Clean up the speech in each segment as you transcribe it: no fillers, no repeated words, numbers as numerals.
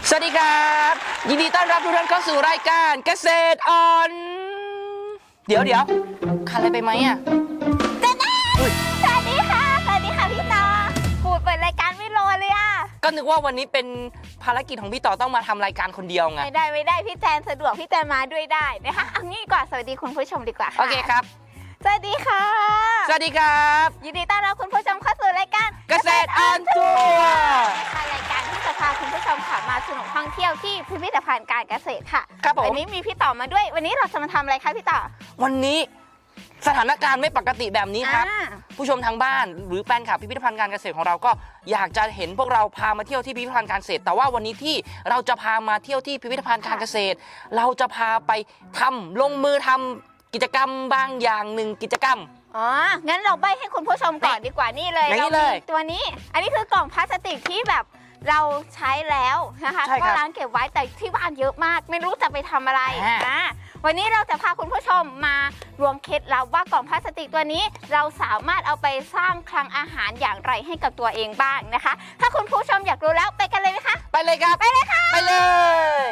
สวัสดีครับยินดีต้อนรับทุกท่านเข้าสู่รายการเกษตรออนเดี๋ยวขาดอะไรไปไหมอ่ะสวัสดีค่ะพี่ต่อพูดเปิดรายการไม่รอเลยอ่ะก็นึกว่าวันนี้เป็นภารกิจของพี่ต่อต้องมาทำรายการคนเดียวไงไม่ได้พี่แจนสะดวกพี่แจนมาด้วยได้นะคะเอางี้ก่อนสวัสดีคุณผู้ชมดีกว่าค่ะโอเคครับสวัสดีค่ะสวัสดีครับยินดีต้อนรับคุณผู้ชมเข้าสู่รายการเกษตรออนทัวร์รายการที่จะพาคุณผู้ชมค่ะมาสนุกท่องเที่ยวที่พิพิธภัณฑ์การเกษตรค่ะครับผมวันนี้มีพี่ต่อมาด้วยวันนี้เราจะมาทำอะไรคะพี่ต่อวันนี้สถานการณ์ไม่ปกติแบบนี้ครับผู้ชมทางบ้านหรือแฟนคลับพิพิธภัณฑ์การเกษตรของเราก็อยากจะเห็นพวกเราพามาเที่ยวที่พิพิธภัณฑ์การเกษตรแต่ว่าวันนี้ที่เราจะพามาเที่ยวที่พิพิธภัณฑ์การเกษตรเราจะพาไปลงมือทำกิจกรรมบางอย่างหนึ่งกิจกรรมงั้นเราใบ้ให้คุณผู้ชมก่อนดีกว่านี่เลยเรามีตัวนี้อันนี้คือกล่องพลาสติกที่แบบเราใช้แล้วนะคะก็ล้างเก็บไว้แต่ที่บ้านเยอะมากไม่รู้จะไปทำอะไรวันนี้เราจะพาคุณผู้ชมมารวมเคล็ดลับว่ากล่องพลาสติกตัวนี้เราสามารถเอาไปสร้างคลังอาหารอย่างไรให้กับตัวเองบ้างนะคะถ้าคุณผู้ชมอยากรู้แล้วไปกันเลยไหมคะไปเลยครับไปเลยค่ะไปเลย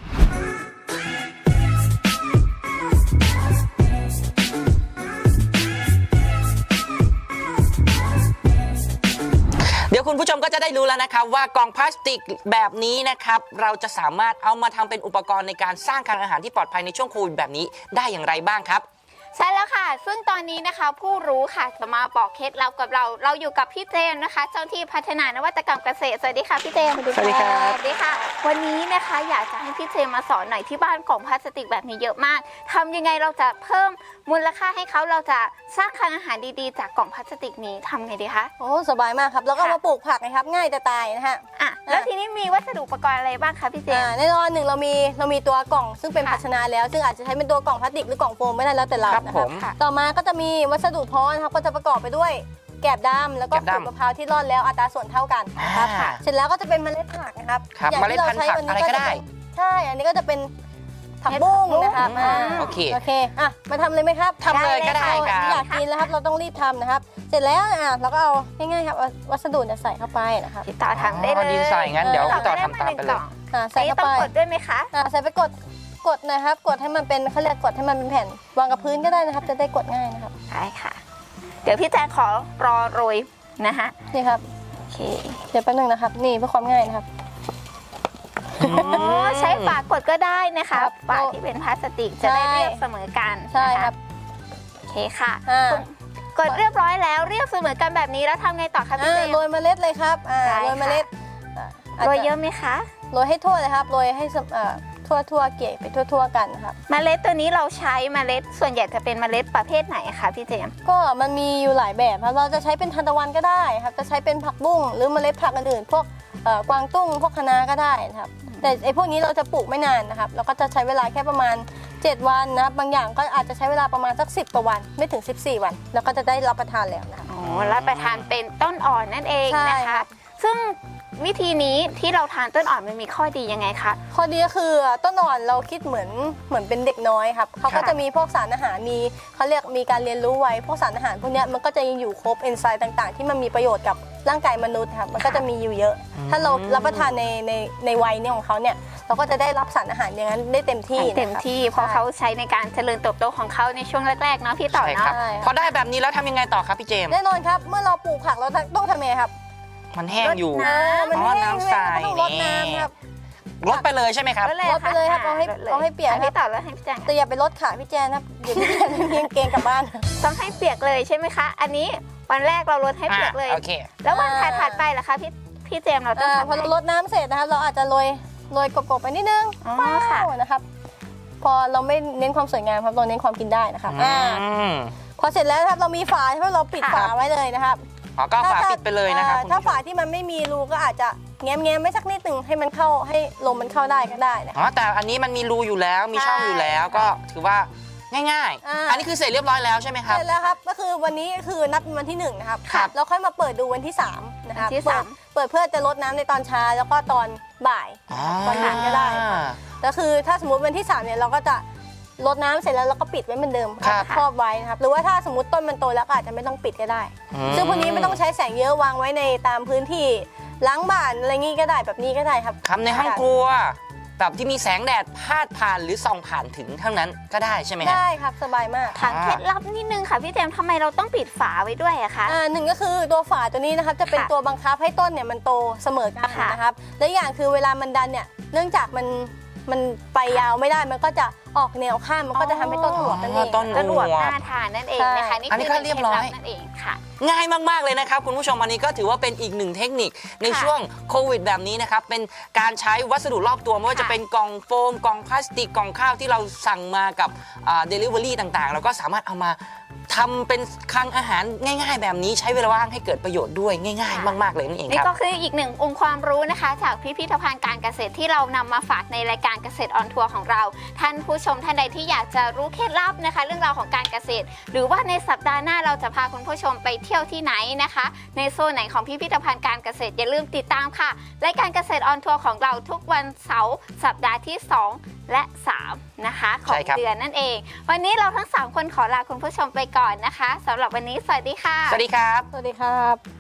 เดี๋ยวคุณผู้ชมก็จะได้รู้แล้วนะครับว่ากล่องพลาสติกแบบนี้นะครับเราจะสามารถเอามาทำเป็นอุปกรณ์ในการสร้างคลังอาหารที่ปลอดภัยในช่วงโควิดแบบนี้ได้อย่างไรบ้างครับใช่แล้วค่ะซึ่งตอนนี้นะคะผู้รู้ค่ะจะมาบอกเคล็ดลับกับเราอยู่กับพี่เจมนะคะเจ้าที่พัฒนานวัตกรรมเกษตรสวัสดีค่ะพี่เจมสวัสดีครับสวัสดีค่ะวันนี้นะคะอยากจะให้พี่เจมมาสอนหน่อยที่บ้านกล่องพลาสติกแบบนี้เยอะมากทำยังไงเราจะเพิ่มมูลค่าให้เขาเราจะสร้างคลังอาหารดีๆจากกล่องพลาสติกนี้ทำไงดีคะโอ้สบายมากครับแล้วก็มาปลูกผักนะครับง่ายจะตายนะฮะแล้วทีนี้มีวัสดุอุปกรณ์อะไรบ้างคะพี่เจมแน่นอนหนึ่งเรามีตัวกล่องซึ่งเป็นภาชนะแล้วซึ่งอาจจะใช้เป็นตัวกล่องพลาสติกหรือกล่องโฟมไม่ได้แล้วแต่เรานะครับต่อมาก็จะมีวัสดุเพาะนะครับก็จะประกอบไปด้วยแกบดำแล้วก็ขูดมะพร้าวที่ร่อนแล้วอัตราส่วนเท่ากันนะครับเสร็จแล้วก็จะเป็นเมล็ดผักนะครับอย่างที่เราใช้วันนี้ก็ได้ใช่อันนี้ก็จะเป็นผักบุ้งนะครับโอเคมาทำเลยไหมครับทำเลยก็ได้ครับอยากกินแล้วครับเราต้องรีบทำนะครับเสร็จแล้วเราก็เอาง่ายๆครับวัสดุเนี่ยใส่เข้าไปนะครับพี่ต่อทำได้เลยดินใส่งั้นเดี๋ยวพี่ต่อทำตามไปเลยใส่เข้าไปต้องกดด้วยไหมคะใส่ไปกดนะครับกดให้มันเป็นเขาเรียกกดให้มันเป็นแผ่นวางกับพื้นก็ได้นะครับจะได้กดง่ายนะครับใช่ค่ะเดี๋ยวพี่แจงขอรอโรยนะคะนี่ครับโอเคเดี๋ยวแป๊บนึงนะครับนี่เพื่อความง่ายนะครับใช้ฝากดก็ได้นะคะฝาที่เป็นพลาสติกจะได้เรียบเสมอกันใช่ครับโอเคค่ะกดเรียบร้อยแล้วเรียบเสมอกันแบบนี้แล้วทำไงต่อคะพี่เจมโรยเมล็ดเลยครับโรยเมล็ดโรยเยอะไหมคะโรยให้ทั่วเลยครับโรยให้ทั่วเกลี่ยไปทั่วกันครับเมล็ดตัวนี้เราใช้เมล็ดส่วนใหญ่จะเป็นเมล็ดประเภทไหนคะพี่เจมก็มันมีอยู่หลายแบบครับเราจะใช้เป็นทานตะวันก็ได้ครับจะใช้เป็นผักบุ้งหรือเมล็ดผักอื่นๆพวกกวางตุ้งพวกคะน้าก็ได้นะครับแต่ไอ้พวกนี้เราจะปลูกไม่นานนะครับเราก็จะใช้เวลาแค่ประมาณ7วันนะครับบางอย่างก็อาจจะใช้เวลาประมาณสัก10กว่าวันไม่ถึง14วันแล้วก็จะได้รับประทานแล้วนะครับรับประทานเป็นต้นอ่อนนั่นเองนะคะซึ่งวิธีนี้ที่เราทานต้นอ่อนมันมีข้อดียังไงคะข้อดีก็คือต้นอ่อนเราคิดเหมือนเป็นเด็กน้อยครับเขาก็จะมีพวกสารอาหารเขาเรียกมีการเรียนรู้ไว้พวกสารอาหารพวกนี้มันก็จะยังอยู่ครบเอนไซม์ต่างๆที่มันมีประโยชน์กับร่างกายมนุษย์ครับมันก็จะมีอยู่เยอะถ้าเรารับประทานในวัยนี้ของเขาเนี่ยเราก็จะได้รับสารอาหารอย่างนั้นได้เต็มที่เพราะเขาใช้ในการเจริญเติบโตของเขาในช่วงแรกๆเนาะพี่ต่อเนาะพอได้แบบนี้แล้วทำยังไงต่อครับพี่เจมแน่นอนครับเมื่อเราปลูกผักเราต้องทำยังไงครับมันแห้งอยู่มันแห้งน้ำใสต้องรดน้ำครับรดไปเลยใช่ไหมครับรดไปเลยครับเอาให้เปียกพี่ต่อแล้วให้พี่แจงแต่อย่าไปรดขาพี่แจนครับเดี๋ยวพี่แจนเพียงเกงกลับบ้านต้องให้เปียกเลยใช่ไหมคะอันนี้วันแรกเรารดให้เปียกเลยแล้ววันถัดไปล่ะคะพี่เจมเราต้องพอเรารดน้ำเสร็จนะครับเราอาจจะโรยกบๆไปนิดนึงนะครับพอเราไม่เน้นความสวยงามครับเราเน้นความกินได้นะครับพอเสร็จแล้วครับเรามีฝาใช่ไหมเราปิดฝาไว้เลยนะครับก็ฝาปิดไปเลยนะครับถ้าฝาที่มันไม่มีรูก็อาจจะแง้มไม่สักนิดหนึ่งให้มันเข้าให้ลมมันเข้าได้ก็ได้นะแต่อันนี้มันมีรูอยู่แล้วมีช่องอยู่แล้วก็ถือว่าง่ายๆอันนี้คือเสร็จเรียบร้อยแล้วใช่ไหมครับเสร็จแล้วครับก็คือวันนี้คือนับวันที่1นะครับแล้วค่อยมาเปิดดูวันที่3นะครับเปิดเพื่อจะลดน้ำในตอนเช้าแล้วก็ตอนบ่ายตอนเย็นก็ได้ก็คือถ้าสมมติวันที่3เนี่ยเราก็จะรดน้ำเสร็จแล้วเราก็ปิดไว้เหมือนเดิมครอบไว้นะครับหรือว่าถ้าสมมติต้นมันโตแล้วก็อาจจะไม่ต้องปิดก็ได้ซึ่งพวกนี้ไม่ต้องใช้แสงเยอะวางไว้ในตามพื้นที่ล้างบ้านอะไรงี้ก็ได้แบบนี้ก็ได้ครับทำในห้องครัวแบบที่มีแสงแดดพาดผ่านหรือส่องผ่านถึงเท่านั้นก็ได้ใช่ไหมฮะได้ครับสบายมากถามเคล็ดลับนิดนึงค่ะพี่เจมส์ทำไมเราต้องปิดฝาไว้ด้วยอะคะหนึ่งก็คือตัวฝาตัวนี้นะครับจะเป็นค่ะตัวบังคับให้ต้นเนี่ยมันโตเสมอกันค่ะนะครับและอย่างคือเวลามันดันเนี่ยเนื่องจากมันไปยาวไม่ได้มันก็จะออกแนวข้ามมันก็จะทำให้ต้นหัวกันเองต้นกระหนวดน่าทานนั่นเองนะคะใช่นี่อันนี้คือก็เรียบร้อยคล็ดลันั่นเองค่ะง่ายมาก ๆ เลยนะครับคุณผู้ชมอันนี้ก็ถือว่าเป็นอีกหนึ่งเทคนิคในค่ะช่วงโควิดแบบนี้นะครับเป็นการใช้วัสดุรอบตัวไม่ว่าค่ะจะเป็นกล่องโฟมกล่องพลาสติกกล่องข้าวที่เราสั่งมากับDelivery ต่างๆ เราก็สามารถเอามาทำเป็นคลังอาหารง่าย ๆ แบบนี้ใช้เวลาว่างให้เกิดประโยชน์ด้วยง่าย ๆ มาก ๆ เลยนั่นเองนี่ครับก็คืออีกหนึ่งองค์ความรู้นะคะ จากพิพิธภัณฑ์การเกษตรที่เรานำมาฝากในรายการเกษตรออนทัวร์ของเรา ท่านผู้ชมท่านใดที่อยากจะรู้เคล็ดลับนะคะ เรื่องราวของการเกษตร หรือว่าในสัปดาห์หน้าเราจะพาคุณผู้ชมไปเที่ยวที่ไหนนะคะ ในโซนไหนของพิพิธภัณฑ์การเกษตรอย่าลืมติดตามค่ะรายการเกษตรออนทัวร์ของเราทุกวันเสาร์สัปดาห์ที่ 2 และ 3 นะคะของใช่ครับเดือนนั่นเอง วันนี้เราทั้ง 3 คนขอลาคุณผู้ชมไปก่อนนะคะสำหรับวันนี้สวัสดีค่ะสวัสดีครับสวัสดีครับ